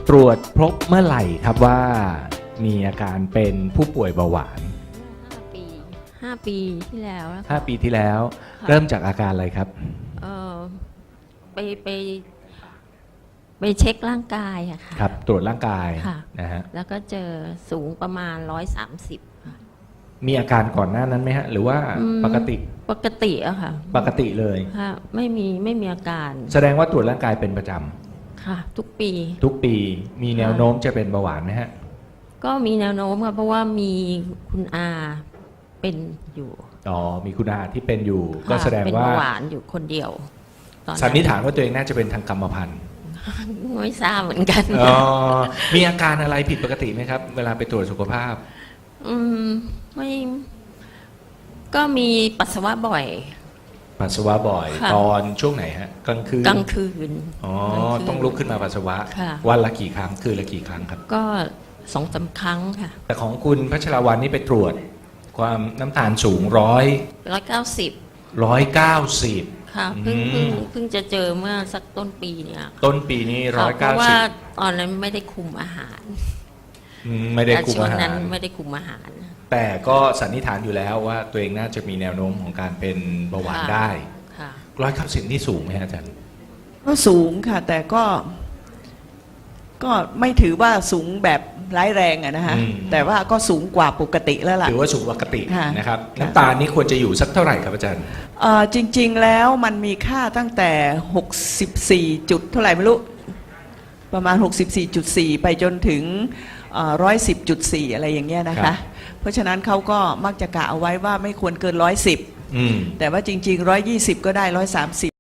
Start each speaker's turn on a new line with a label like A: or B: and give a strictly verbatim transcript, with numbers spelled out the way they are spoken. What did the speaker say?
A: ตรวจพบเมื่อไหร่ครับว่ามีอาการเป็นผู้ป่วยเบาหวาน
B: ห้าปีห้าปีที่แล้วนะคะ
A: ห้าปีที่แล้ว
B: ค่ะ
A: เริ่มจากอาการอะไรครับ
B: เออไปไปไปเช็คร่างกายอะค่ะ
A: ครับ ตรวจร่างกาย
B: ค่ะ
A: นะฮะ
B: แล้วก็เจอสูงประมาณร้อยสามสิบ
A: มีอาการก่อนหน้านั้นไหมฮะ หรือว่าปกติ
B: ปกติอะค่ะ
A: ปกติเลย
B: ค่ะไม่มีไม่มีอาการ
A: แสดงว่าตรวจร่างกายเป็นประจ
B: ค่ะ ทุกปี
A: ำทุกปีมีแนวโน้มจะเป็นเบาหวานไหมฮะ
B: ก็มีแนวโน้มค่ะเพราะว่ามีคุณอาเป็นอยู่
A: อ๋อ มีคุณอาที่เป็นอยู่
B: ค่ะ
A: ก็แสดง
B: เป็น
A: ว่า
B: เบาหวานอยู่คนเดียวตอน
A: สันนิษฐานว่าตัวเองน่าจะเป็นทางกรรมพันธุ์
B: ไม่ทราบเหมือนกัน
A: อ๋อ มีอาการอะไรผิดปกติไหมครับ เวลาไปตรวจสุขภาพ
B: อืมไม่ก็มีปัสสาวะบ่อย
A: ปัสสาวะบ่อย
B: ค่ะ
A: ตอนช่วงไหนฮะ กลางคืน
B: กลางคืน
A: อ๋อ
B: กลางคืน
A: ต้องลุกขึ้นมาปัสสาวะ
B: ค่ะ
A: วันละกี่ครั้ง คืนละกี่ครั้งครับ
B: ก็สองสามครั้งค่ะ
A: แต่ของคุณพัชรวรรณนี่ไปตรวจ ความน้ำตาลสูงร้อย
B: ร้อยเก้าสิบ
A: ร้อยเก้าสิบ
B: ค่ะเพิ่ง
A: อื
B: เพิ่ง
A: ม
B: เพิ่งจะเจอเมื่อสักต้นปีเนี่ยค่ะ
A: ต้นปีนี้ร้อย
B: เพ
A: เก้า
B: ราะว่า
A: สิบ
B: ตอนนั้นไม่ได้คุมอาหาร
A: ไม่ได้คุม
B: ช่วง
A: อาหา
B: นั้น
A: ร
B: ไม่ได้คุมอาหาร
A: แต่ก็สันนิษฐานอยู่แล้วว่าตัวเองน่าจะมีแนวโน้มของการเป็นเบาหวาน
B: ค่ะ
A: ได้
B: ค่ะ
A: ร้อยเก้าสิบนี่สูงไหมฮะอาจารย์
C: ก็สูงค่ะ แต่ก็ ก็ไม่ถือว่าสูงแบบร้ายแรงอะนะฮะ
A: อืม
C: แต่ว่าก็สูงกว่าปกติแล้วล่ะ
A: ถือว่าสูงปกติ
C: ค่ะ
A: นะครับ
C: ค่ะ
A: น้ำตาลนี่ควรจะอยู่สักเท่าไหร่ครับอาจารย์
C: เอ่อจริง ๆ แล้วมันมีค่าตั้งแต่หกสิบสี่จุดเท่าไหร่ไม่รู้ ประมาณ หกสิบสี่จุดสี่ ไปจนถึงหนึ่งร้อยสิบจุดสี่ อะไรอย่างเงี้ยนะ
A: ครั
C: คะ
A: บ
C: เพราะฉะนั้นเขาก็มักจะกะเอาไว้ว่าไม่ควรเกินร้อยสิบ
A: อืม
C: แต่ว่าจริงๆร้อยยี่สิบก็ได้ร้อยสามสิบ